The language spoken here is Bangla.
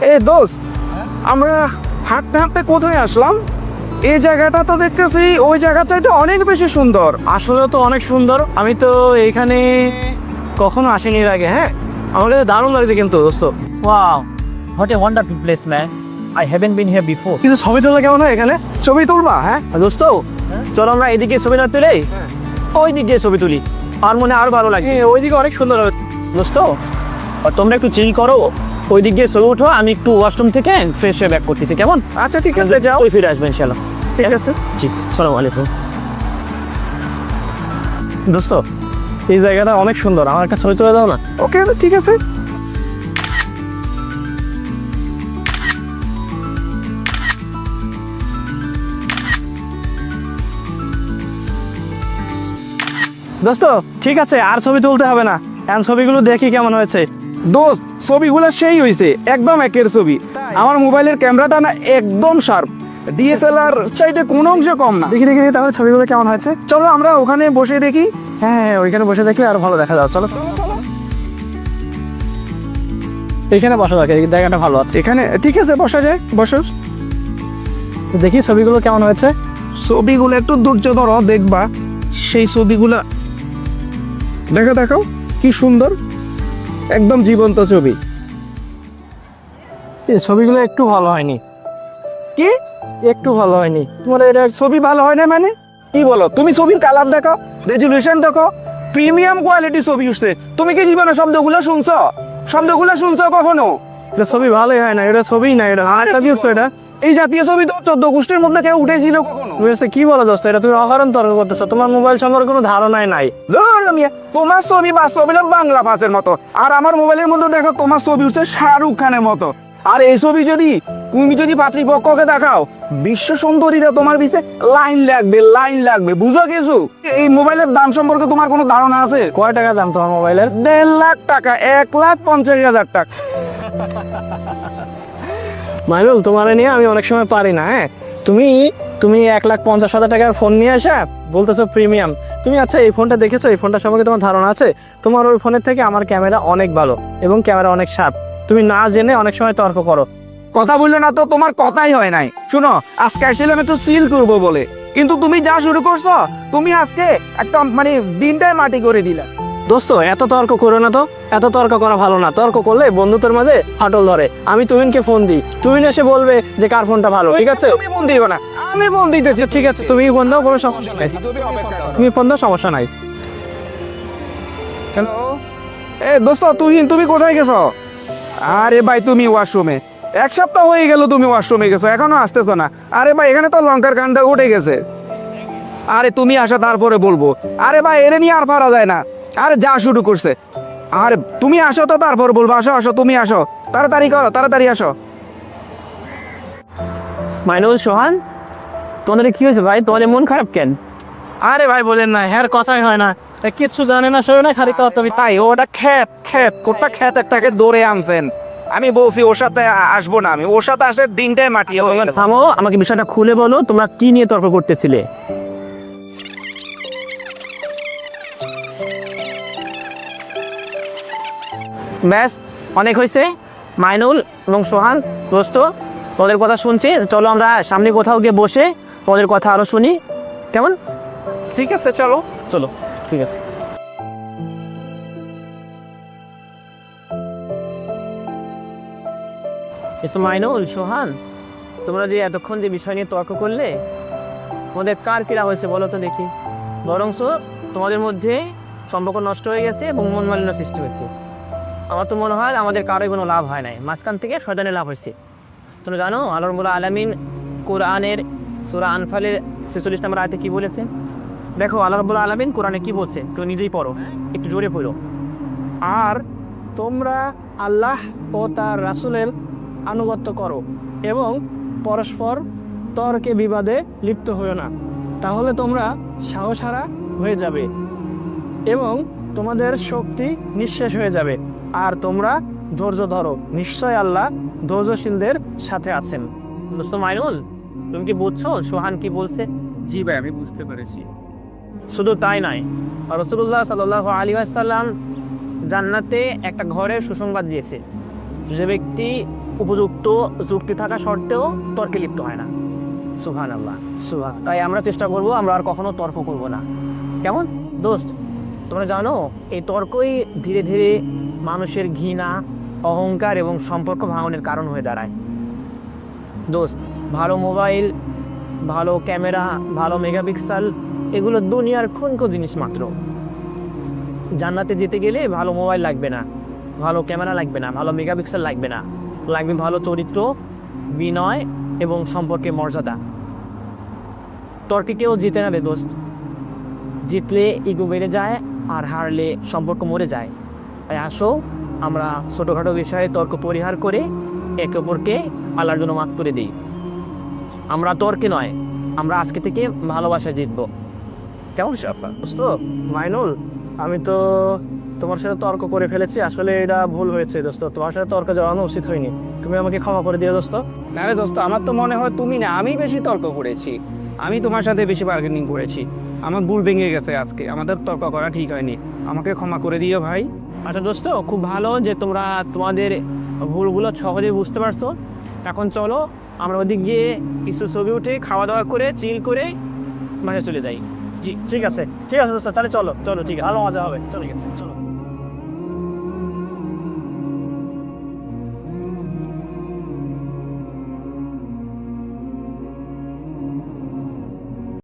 এ দোস্ত, আমরা হাঁটতে হাঁটতে কোথায় আসলাম? এই জায়গাটা তো দেখতেছি ওই জায়গা চাইতে অনেক বেশি সুন্দর। আসলে তো অনেক সুন্দর। আমি তো এইখানে কখনো আসিনি এর আগে। হ্যাঁ, আমার কাছে দারুণ লাগছে কিন্তু দোস্ত। Wow, what a wonderful place, man. I haven't been here before. কিন্তু ছবি তোলা কেমন হয় এখানে? ছবি তুলবা? হ্যাঁ দোস্ত, চলো আমরা এদিকে ছবি না তুলে ওই দিক দিয়ে ছবি তুলি, আর মনে আরো ভালো লাগে। ওইদিকে অনেক সুন্দর হবে দোস্ত। আর তোমরা একটু চিল করো, ওই দিক দিয়ে ছবি উঠো, আমি একটু ওয়াশরুম থেকে ফ্রেশ হয়ে ব্যাক করতেছি, কেমন? আচ্ছা ঠিক আছে, যাও। ওই ফিরে আসবেন ইনশাআল্লাহ। ঠিক আছে, জি, আসসালামু আলাইকুম। দোস্ত, এই জায়গাটা অনেক সুন্দর, আমার একটা ছবি তুলে দাও না? ওকে, ঠিক আছে। দোস্ত ঠিক আছে, আর ছবি তুলতে হবে না, এখন ছবিগুলো দেখি কেমন হয়েছে। দোস্ত, ছবিগুলো সেই হয়েছে, একদম একের ছবি। আমার মোবাইলের ক্যামেরাটা না একদম শার্প, ডিএসএলআর চাইতে কোনো অংশ কম না। দেখি দেখি দেখি তাহলে ছবিগুলো কেমন হয়েছে। চলো আমরা ওখানে বসে দেখি। হ্যাঁ হ্যাঁ, ওইখানে বসে দেখলে আর ভালো দেখা যাবে। চলো এইখানে বসা যাক, এই জায়গাটা ভালো আছে। এখানে ঠিক আছে, বসা যায়, বসো। দেখি ছবিগুলো কেমন হয়েছে। ছবিগুলো একটু ধৈর্য ধরো, দেখবা সেই ছবিগুলা। দেখো দেখো কি সুন্দর, একদম জীবন্ত ছবি। এই ছবিগুলো একটু ভালো হয়নি। কি? একটু ভালো হয়নি। তোমার এটা ছবি ভালো হয় না মানে? কি বলো? তুমি ছবির কালার দেখো, রেজুলেশন দেখো, প্রিমিয়াম কোয়ালিটি ছবি উঠছে। তুমি কি জীবনে শব্দগুলো শুনছো? শব্দগুলো শুনছো কখনো? এটা ছবি ভালোই হয় না, এটা ছবিই না, এটা আরেকটা দিচ্ছ। এটা এই জাতীয় ছবি তো 14 গোষ্ঠীর মধ্যে কেউ উঠেছিল কখনো? তুমি হচ্ছে কি বলো দোস্ত, এটা তুমি অকারণ তর্ক করতেছো, তোমার মোবাইল সম্পর্কে কোনো ধারণাই নাই। ধুর মিয়া, তোমার ছবি বাস্তব হলো বাংলা ভাষার মতো, আর আমার মোবাইলের মধ্যে দেখো তোমার ছবি উঠছে শাহরুখ খানের মতো। আর এই ছবি যদি তুমি পাত্রীপক্ষকে দেখাও, বিশ্ব সুন্দরীরা তোমার পিছে লাইন লাগবে, লাইন লাগবে। বুঝো কিছু? এই মোবাইলের দাম সম্পর্কে তোমার কোনো ধারণা আছে? কয় টাকা দাম তোমার মোবাইলের? 1.5 লাখ টাকা, 1,50,000 টাকা। মাইনুল, তোমার নিয়ে আমি অনেক সময় পারি না। হ্যাঁ, তুমি তুমি 1,50,000 টাকার ফোন নিয়ে আসা বলতেছো প্রিমিয়াম। তুমি আচ্ছা এই ফোনটা দেখেছো? এই ফোনটা সম্পর্কে তোমার ধারণা আছে? তোমার ওই ফোনের থেকে আমার ক্যামেরা অনেক ভালো এবং ক্যামেরা অনেক শার্প। তুমি না জেনে অনেক সময় তর্ক করো। কথা বললো না তো, তোমার কথাই হয় নাই। শুনো, আজকে আসছিলাম একটু সিল করবো বলে, কিন্তু তুমি যা শুরু করছো, তুমি আজকে একটা মানে দিনটাই মাটি করে দিলা। দোস্ত, এত তর্ক করো না তো, এত তর্ক করা ভালো না। তর্ক করলে বন্ধুত্বের মাঝে ফাটল ধরে। আমি তুমিনকে ফোন দিই, তুমিন এসে বলবে যে কার ফোনটা ভালো। ঠিক আছে, তুমি ফোন দিও না, আমি ফোন দিতেছি। ঠিক আছে, তুমি ফোন দাও, কোনো সমস্যা নাই। তুমি ফোন দাও, সমস্যা নাই। হ্যালো, এ দোস্ত, তুমি কোথায় গেছো? আরে ভাই, তুমি ওয়াশরুমে। 1 সপ্তাহ হয়ে গেল তুমি ওয়াশরুমে গেছো, এখনো আসতেছো না। আরে ভাই, এখানে তো লঙ্কার কান্ডা উঠে গেছে। আরে তুমি আসো, তারপরে বলবো। আরে ভাই, এরে নিয়ে আর পারা যায় না। আরে যা শুরু করছে। আরে তুমি আসো তো, তারপর বলবো। আসো আসো, তুমি আসো, তাড়াতাড়ি করো, তাড়াতাড়ি আসো। মাইনুল, সোহান, তোমাদের কি হয়েছে ভাই? তোমাদের মন খারাপ কেন? আরে ভাই বলেন না, হ্যাঁ কথাই হয় না, কিচ্ছু জানে না, শোনে না, খালি কথা। তাই ওটা কোটা খ্যাত একটাকে দৌড়ে আনছেন। আমি বলছি ওর সাথে আসবো না, আমি ওর সাথে আসে দিনটাই মাটি হয়ে গেল। থামো, আমাকে বিষয়টা খুলে বলো, তোমরা কি নিয়ে তর্ক করতেছিলে? ব্যাস, অনেক হয়েছে। মাইনুল এবং সোহান, দোস্ত, তোদের কথা শুনছি, চলো আমরা সামনে কোথাও গিয়ে বসে তোদের কথা আরো শুনি, কেমন? ঠিক আছে, চলো। চলো, ঠিক আছে। এ তো মাইনুল, সোহান, তোমরা যে এতক্ষণ যে বিষয় নিয়ে তর্ক করলে, তোমাদের কার কিরা হয়েছে বলো তো দেখি। বরংস তোমাদের মধ্যে সম্পর্ক নষ্ট হয়ে গেছে এবং মন মালিন্য সৃষ্টি হয়েছে। আমার তো মনে হয় আমাদের কারোই কোনো লাভ হয় নাই, মাঝখান থেকে শয়তানের লাভ হয়েছে। তোমরা জানো আল্লাহ রাব্বুল আলামিন কোরআনের সূরা আনফালের 46 নম্বর আয়াতে কি বলেছে? দেখো আল্লাহ রাব্বুল আলামিন কোরআনে কি বলছে, তুমি নিজেই পড়ো, একটু জোরে পড়ো। আর তোমরা আল্লাহ ও তার রাসূলের আনুগত্য করো এবং পরস্পর তর্কে বিবাদে লিপ্ত হইও না, তাহলে তোমরা সাহসহারা হয়ে যাবে এবং তোমাদের শক্তি নিঃশেষ হয়ে যাবে। আর তোমরা ধৈর্য ধরো, নিশ্চয় আল্লাহ ধৈর্যশীলদের সাথে আছেন। দোস্ত মাইনুল, তুমি কি বুঝছো সোহান কি বলছে? জি ভাই, আমি বুঝতে পেরেছি। শুধু তাই নয়, রাসূলুল্লাহ সাল্লাল্লাহু আলাইহি ওয়াসাল্লাম জান্নাতে একটা ঘরের সুসংবাদ দিয়েছে। যে ব্যক্তি উপযুক্ত যুক্তি থাকা সত্ত্বেও তর্কে লিপ্ত হয় না। সুবহানাল্লাহ, তাই আমরা চেষ্টা করব আমরা আর কখনো তর্ক করব না। কেমন দোস্ত? তোমরা জানো এই তর্কই ধীরে ধীরে মানুষের ঘৃণা, অহংকার এবং সম্পর্ক ভাঙনের কারণ হয়ে দাঁড়ায়। দোস্ত, ভালো মোবাইল, ভালো ক্যামেরা, ভালো মেগাপিক্সেল এগুলো দুনিয়ার ক্ষুনকো জিনিস মাত্র। জান্নাতে যেতে গেলে ভালো মোবাইল লাগবে না, ভালো ক্যামেরা লাগবে না, ভালো মেগাপিক্সেল লাগবে না, লাগবে ভালো চরিত্র, বিনয় এবং সম্পর্কে মর্যাদা। তর্কে কেউ জিতে না রে দোস্ত। জিতলে ইগো বেড়ে যায় আর হারলে সম্পর্ক মরে যায়। তাই আসো আমরা ছোটোখাটো বিষয়ে তর্ক পরিহার করে একে অপরকে আল্লাহর জন্য মাফ করে দিই। আমরা তর্কে নয়, আমরা আজকে থেকে ভালোবাসায় জিতবো। কেমন আপনার দোস্ত? মাইনুল, আমি তো তোমার সাথে তর্ক করে ফেলেছি, আসলে এটা ভুল হয়েছে দোস্ত। তোমার সাথে তর্ক জড়ানো উচিত হয়নি, তুমি আমাকে ক্ষমা করে দিও দোস্ত। না রে দোস্ত, আমার তো মনে হয় তুমি না, আমি বেশি তর্ক করেছি, আমি তোমার সাথে বেশি বার্গেনিং করেছি, আমার ভুল ভেঙে গেছে আজকে, আমাদের তর্ক করা ঠিক হয়নি, আমাকে ক্ষমা করে দিও ভাই। আচ্ছা দোস্ত, খুব ভালো যে তোমরা তোমাদের ভুলগুলো সহজে বুঝতে পারছো। এখন চলো আমরা ওদিক গিয়ে কিছু ছবি উঠে খাওয়া দাওয়া করে চিল করে বাসায় চলে যাই। জি ঠিক আছে দোস্ত, তাহলে চলো চলো, ঠিক আছে, আরও মজা হবে, চলে গেছে চলো।